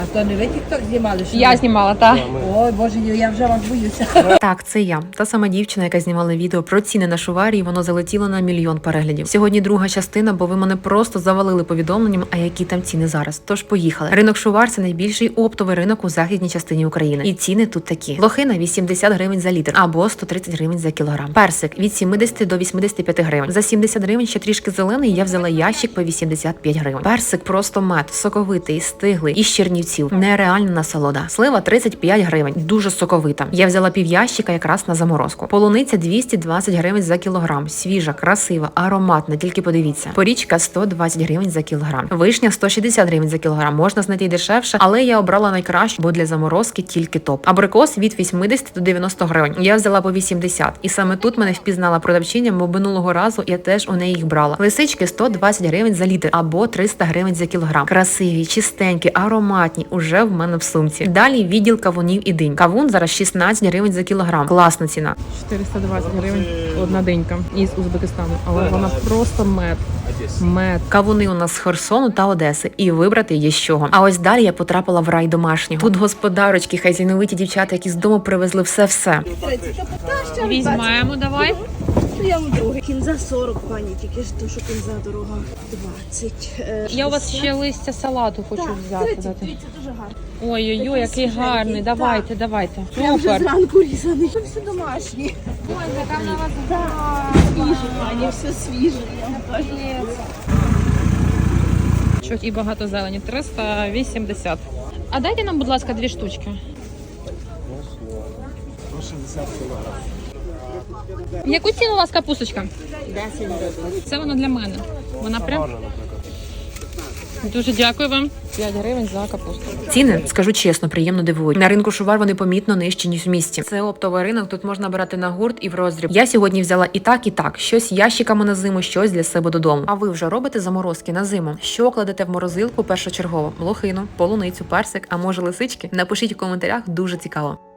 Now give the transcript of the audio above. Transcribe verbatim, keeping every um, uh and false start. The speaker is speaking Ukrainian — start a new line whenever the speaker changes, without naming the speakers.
А то не ви тік-ток знімали? Що
Я
ви?
знімала, так.
Ой, боже, я вже вас боюся.
Так, це я. Та сама дівчина, яка знімала відео про ціни на шуварі, і воно залетіло на мільйон переглядів. Сьогодні друга частина, бо ви мене просто завалили повідомленням, а які там ціни зараз. Тож поїхали. Ринок шувар – це найбільший оптовий ринок у західній частині України. І ціни тут такі. Лохина – вісімдесят гривень за літр або сто тридцять гривень за кілограм. Персик – від сімдесят до вісімдесят п'ять гривень. За сімдесят гривень ще трішки зелений, я взяла ящик по вісімдесят п'ять гривень. Персик просто мед, соковитий, стиглий, із Чернівців. Нереальна насолода. Слива тридцять п'ять гривень, дуже соковита. Я взяла пів ящика якраз на заморозку. Полуниця двісті двадцять гривень за кілограм. Свіжа, красива, ароматна, тільки подивіться. Порічка сто двадцять гривень за кілограм. Вишня сто шістдесят гривень за кілограм. Можна знайти дешевше, але я обрала найкращу, бо для заморозки тільки топ. Абрикос від вісімдесят до дев'яноста гривень. Я взяла по вісімдесят. І саме тут мене впізнала продавчиня, бо минулого разу я теж у неї їх брала. Лисички сто двадцять гривень за літр або триста гривень за кілограм. Красиві, чистенькі, ароматні, уже в мене в сумці. Далі відділ кавунів і динь. Кавун зараз шістнадцять гривень за кілограм. Класна ціна.
чотириста двадцять гривень одна динька із Узбекистану, але вона просто мед. Мед.
Кавуни у нас з Херсону та Одеси, і вибрати є з чого. А ось далі я потрапила в рай домашнього. Тут господарочки, хазяйновиті дівчата, які з дому привезли все-все.
Візьмемо, давай.
Я вам другий. Кінза сорок, пані, тільки ж то, що кінза дорога. двадцять. е,
Я у вас ще
шістдесят.
листя салату хочу
Так,
взяти.
тридцять,
дати.
дивіться, дуже гарно.
Ой-ой-ой, який гарний.
Так.
Давайте, давайте.
Я вже
Супер.
зранку різаний. Це все домашнє.
Ой, яка на вас
Так, свіже, пані, все свіже, я вам кажу.
Чуть і багато зелені. триста вісімдесят. А дайте нам, будь ласка, дві штучки. Яку ціну у вас капусточка?
десять гривень.
Це вона для мене. Вона прям. Дуже дякую вам. п'ять гривень за капусту.
Ціни, скажу чесно, приємно дивують. На ринку шувар вони помітно нижчі, ніж в місті. Це оптовий ринок, тут можна брати на гурт і в роздріб. Я сьогодні взяла і так, і так. Щось ящиками на зиму, щось для себе додому. А ви вже робите заморозки на зиму? Що кладете в морозилку першочергово? Лохину, полуницю, персик, а може лисички? Напишіть у коментарях, дуже цікаво.